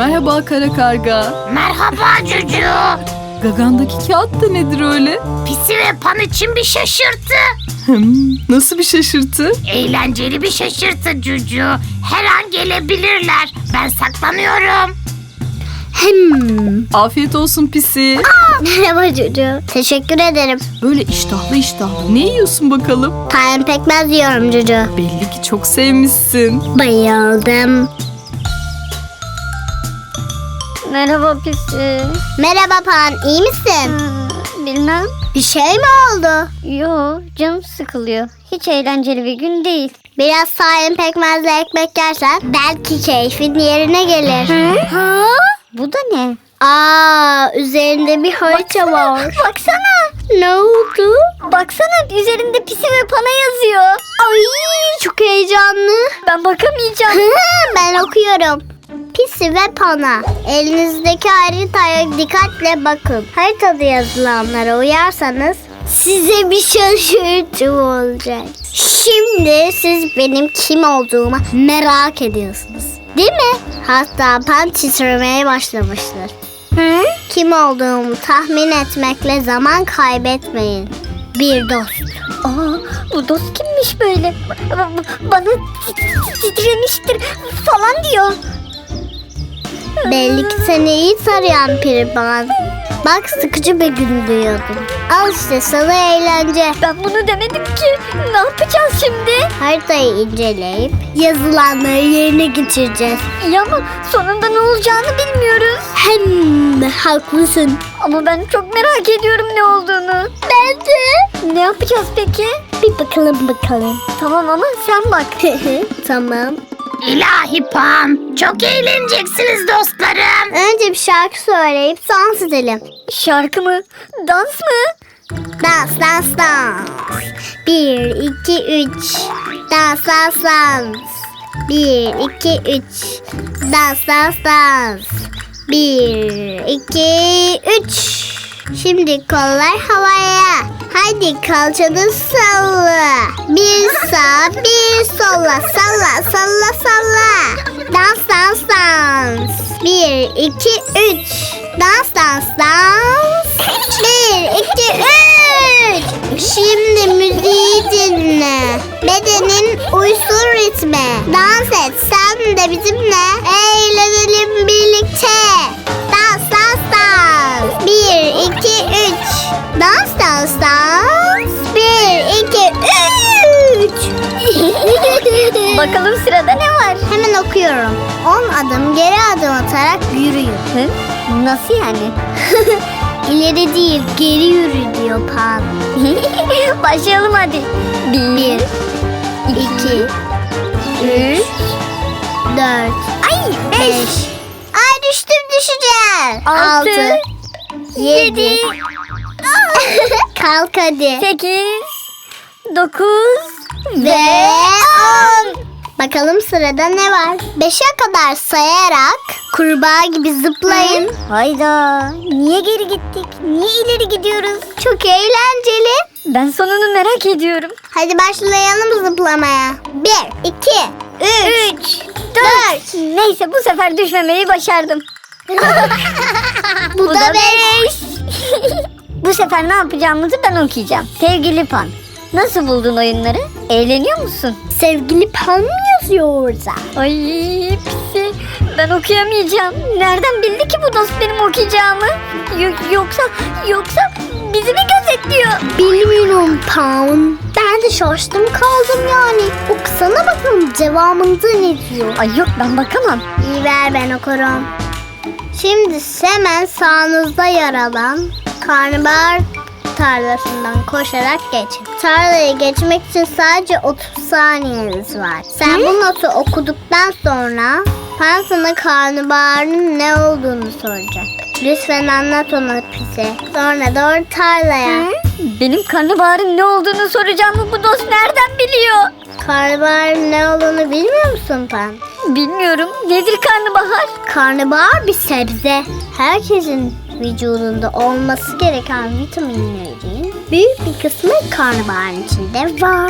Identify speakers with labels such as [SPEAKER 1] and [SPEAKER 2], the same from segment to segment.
[SPEAKER 1] Merhaba kara karga.
[SPEAKER 2] Merhaba Cucu.
[SPEAKER 1] Gagandaki kağıt da nedir öyle?
[SPEAKER 2] Pisi ve Pan için bir şaşırtı.
[SPEAKER 1] Nasıl bir şaşırtı?
[SPEAKER 2] Eğlenceli bir şaşırtı Cucu. Her an gelebilirler. Ben saklanıyorum.
[SPEAKER 1] Afiyet olsun pisi.
[SPEAKER 3] Merhaba Cucu. Teşekkür ederim.
[SPEAKER 1] Böyle iştahlı. Ne yiyorsun bakalım?
[SPEAKER 3] Tayin pekmez yiyorum Cucu.
[SPEAKER 1] Belli ki çok sevmişsin.
[SPEAKER 3] Bayıldım.
[SPEAKER 4] Merhaba Pisi.
[SPEAKER 3] Merhaba Pan, iyi misin?
[SPEAKER 4] Bilmem.
[SPEAKER 3] Bir şey mi oldu?
[SPEAKER 4] Yo, canım sıkılıyor. Hiç eğlenceli bir gün değil.
[SPEAKER 3] Biraz tayin pekmezle ekmek yersen belki keyfin yerine gelir.
[SPEAKER 4] Ha? Bu da ne?
[SPEAKER 3] Üzerinde bir harita var.
[SPEAKER 4] Baksana.
[SPEAKER 3] Ne oldu?
[SPEAKER 4] Baksana üzerinde Pisi ve Pana yazıyor.
[SPEAKER 3] Ay çok heyecanlı.
[SPEAKER 4] Ben bakamayacağım.
[SPEAKER 3] Ben okuyorum. Pisi ve Pana. Elinizdeki haritaya dikkatle bakın. Haritada yazılanlara uyarsanız size bir şaşırtı olacak. Şimdi siz benim kim olduğumu merak ediyorsunuz. Değil mi? Hatta Pan titremeye başlamıştır. Kim olduğumu tahmin etmekle zaman kaybetmeyin. Bir dost.
[SPEAKER 4] Bu dost kimmiş böyle? Bana titremiştir falan diyor.
[SPEAKER 3] Belli ki seni iyi tarayan Piriban. Bak sıkıcı bir gün duyuyordum. Al işte sana eğlence.
[SPEAKER 4] Ben bunu demedim ki. Ne yapacağız şimdi?
[SPEAKER 3] Haritayı inceleyip yazılanları yerine getireceğiz.
[SPEAKER 4] İyi ama sonunda ne olacağını bilmiyoruz.
[SPEAKER 3] Haklısın.
[SPEAKER 4] Ama ben çok merak ediyorum ne olduğunu.
[SPEAKER 3] Ben de.
[SPEAKER 4] Ne yapacağız peki?
[SPEAKER 3] Bir bakalım.
[SPEAKER 4] Tamam ama sen bak.
[SPEAKER 3] Tamam.
[SPEAKER 2] İlahi Pan. Çok eğleneceksiniz dostlarım.
[SPEAKER 3] Önce bir şarkı söyleyip dans edelim.
[SPEAKER 4] Şarkı mı? Dans mı?
[SPEAKER 3] Dans. 1, 2, 3. Dans. 1, 2, 3. Dans. 1, 2, 3. Şimdi kollar havaya. Haydi kalçanı salla. Bir sağ bir sola. Salla. Dans. 1, 2, 3. Dans. 1, 2, 3. Şimdi müziği dinle. Bedenin uysun ritme. Dans et sen de bizimle. Eğlenelim birlikte. Dans. 1, 2, 3. Dans. 1, 2, 3.
[SPEAKER 4] Bakalım sırada ne var?
[SPEAKER 3] Hemen okuyorum. 10 adım geri adım atarak yürüyün.
[SPEAKER 4] Hı? Nasıl yani?
[SPEAKER 3] İleri değil geri yürü diyor Pan.
[SPEAKER 4] Başlayalım hadi.
[SPEAKER 3] 1, 2, 3, 4,
[SPEAKER 4] Ay
[SPEAKER 3] 5. Ay düşeceğim.
[SPEAKER 4] 6,
[SPEAKER 3] 7. Kalk hadi.
[SPEAKER 4] 8, 9
[SPEAKER 3] Ve 10. Bakalım sırada ne var? 5'e kadar sayarak kurbağa gibi zıplayın.
[SPEAKER 4] Hayda. Niye geri gittik? Niye ileri gidiyoruz?
[SPEAKER 3] Çok eğlenceli.
[SPEAKER 4] Ben sonunu merak ediyorum.
[SPEAKER 3] Hadi başlayalım zıplamaya. 1, 2, 3, 4.
[SPEAKER 4] Neyse bu sefer düşmemeyi başardım.
[SPEAKER 3] Bu da 5.
[SPEAKER 4] Bu sefer ne yapacağımızı ben okuyacağım. Sevgili Pan, nasıl buldun oyunları? Eğleniyor musun?
[SPEAKER 3] Sevgili Pan mı yazıyor orada?
[SPEAKER 4] Ay pisi, ben okuyamayacağım. Nereden bildi ki bu dost benim okuyacağımı? Yoksa bizi mi gözetliyor?
[SPEAKER 3] Bilmiyorum Pan. Ben de şaştım kaldım yani. Okusana bakalım devamında ne diyor?
[SPEAKER 4] Ay yok ben bakamam.
[SPEAKER 3] İyi ver ben okurum. Şimdi hemen sağınızda yer alan karnabahar tarlasından koşarak geçin. Tarlayı geçmek için sadece 30 saniyeniz var. Sen bu notu okuduktan sonra Pan sana karnabaharın ne olduğunu soracak. Lütfen anlat ona Pisi. Sonra doğru tarlaya.
[SPEAKER 4] Benim karnabaharın ne olduğunu soracağımı bu dost nereden biliyor?
[SPEAKER 3] Karnabaharın ne olduğunu bilmiyor musun Pan?
[SPEAKER 4] Bilmiyorum. Nedir karnabahar?
[SPEAKER 3] Karnabahar bir sebze. Herkesin vücudunda olması gereken vitaminlerin büyük bir kısmı karnabaharın içinde var.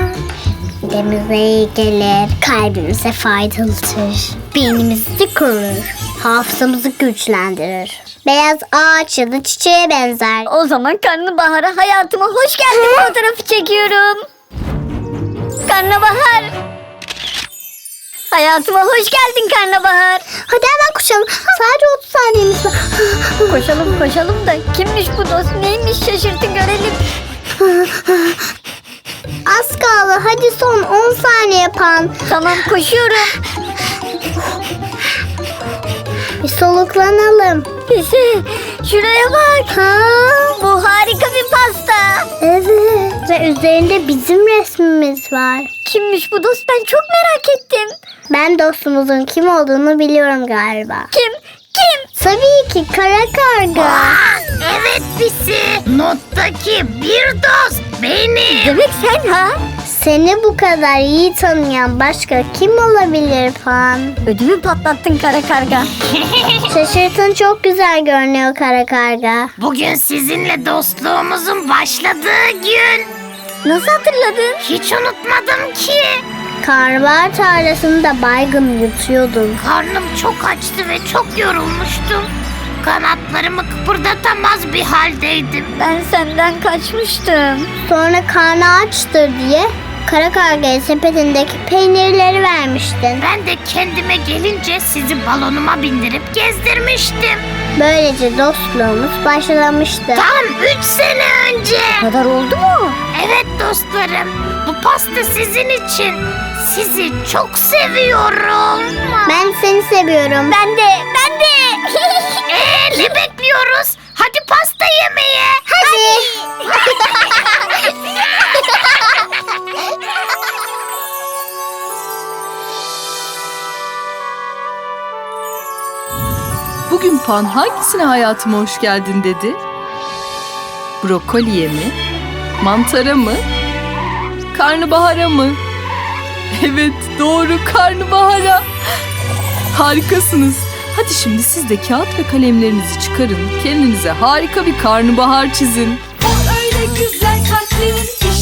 [SPEAKER 3] Midemize iyi gelir, kalbimize faydalıdır, beynimizi korur. hafızamızı güçlendirir. Beyaz ağaç ya da çiçeğe benzer.
[SPEAKER 4] O zaman karnabahara hayatıma hoş geldin fotoğrafı çekiyorum. Karnabahar. Hayatıma hoş geldin karnabahar.
[SPEAKER 3] Hadi hemen koşalım. Sadece 30 saniyemiz var.
[SPEAKER 4] Koşalım koşalım da kimmiş bu dost, neymiş, şaşırtın görelim.
[SPEAKER 3] Az kaldı. Hadi son 10 saniye Pan.
[SPEAKER 4] Tamam, koşuyorum.
[SPEAKER 3] Bir soluklanalım.
[SPEAKER 4] Pisi, şuraya bak.
[SPEAKER 3] Ha?
[SPEAKER 4] Bu harika bir pasta.
[SPEAKER 3] Evet. Ve üzerinde bizim resmimiz var.
[SPEAKER 4] Kimmiş bu dost, ben çok merak ettim.
[SPEAKER 3] Ben dostumuzun kim olduğunu biliyorum galiba.
[SPEAKER 4] Kim?
[SPEAKER 3] Tabii ki kara karga.
[SPEAKER 2] Aa, evet Pisi. Nottaki bir dost benim.
[SPEAKER 4] Demek sen ha?
[SPEAKER 3] Seni bu kadar iyi tanıyan başka kim olabilir Pan?
[SPEAKER 4] Ödümü patlattın kara karga.
[SPEAKER 3] Şaşırtın çok güzel görünüyor kara karga.
[SPEAKER 2] Bugün sizinle dostluğumuzun başladığı gün.
[SPEAKER 4] Nasıl hatırladın?
[SPEAKER 2] Hiç unutmadım ki.
[SPEAKER 3] Karnabahar tarlasında baygın yutuyordum.
[SPEAKER 2] Karnım çok açtı ve çok yorulmuştum. Kanatlarımı kıpırdatamaz bir haldeydim.
[SPEAKER 4] Ben senden kaçmıştım.
[SPEAKER 3] Sonra karnı açtır diye kara kargaya sepetindeki peynirleri vermiştin.
[SPEAKER 2] Ben de kendime gelince sizi balonuma bindirip gezdirmiştim.
[SPEAKER 3] Böylece dostluğumuz başlamıştı.
[SPEAKER 2] Tam 3 sene önce.
[SPEAKER 4] Bu kadar oldu mu?
[SPEAKER 2] Evet dostlarım, bu pasta sizin için. Sizi çok seviyorum.
[SPEAKER 3] Ben seni seviyorum.
[SPEAKER 4] Ben de.
[SPEAKER 2] Ne bekliyoruz? Hadi pasta yemeye.
[SPEAKER 3] Hadi.
[SPEAKER 1] Bugün Pan hangisine hayatıma hoş geldin dedi? Brokoliye mi? Mantara mı? Karnabahara mı? Evet, doğru, karnabahara. Harikasınız. Hadi şimdi siz de kağıt ve kalemlerinizi çıkarın. Kendinize harika bir karnabahar çizin.
[SPEAKER 5] O öyle güzel kalplerin